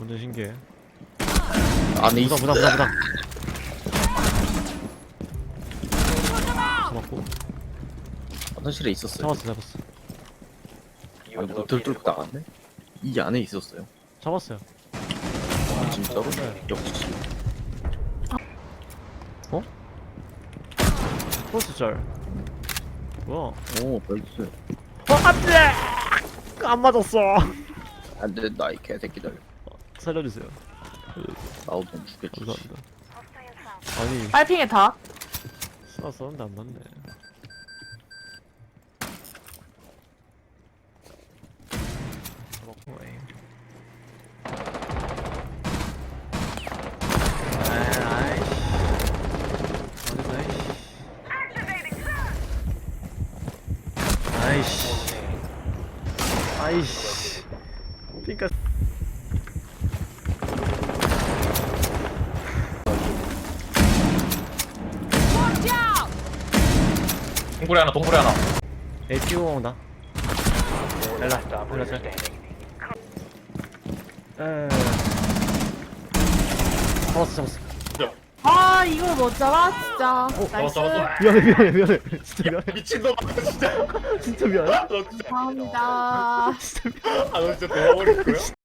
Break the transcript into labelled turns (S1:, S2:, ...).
S1: 완전 신기해.
S2: 안에 있어.
S1: 부당. 잡았고.
S2: 화장실에 있었어요.
S1: 잡았어.
S2: 아, 노트를 뚫고 나갔네? 이 안에 있었어요.
S1: 잡았어요.
S2: 아, 진짜로? 역시.
S1: 포스트 짤. 뭐야?
S2: 오, 벌써.
S1: 안돼! 안 맞았어.
S2: 안 된다, 이 개새끼들.
S1: 살려주세요.
S2: 나도 좀 죽여주지.
S1: 감사합니다. 아니,
S3: 빨핑에 다.
S1: 쐈는데 안 맞네. 잡았고, 에이. 아이씨. 그니까
S4: 동굴에 하나.
S1: A 피고 온다. 엘라 잘. 잡았어.
S3: 아 이걸 못 잡아 진짜. 나이스.
S4: 잡았어.
S1: 미안해. 진짜 미안해.
S4: 미친놈아, 진짜.
S1: 진짜 미안해.
S4: 너 진짜.
S3: 감사합니다.
S4: 아, 너 진짜 도와버릴 거야?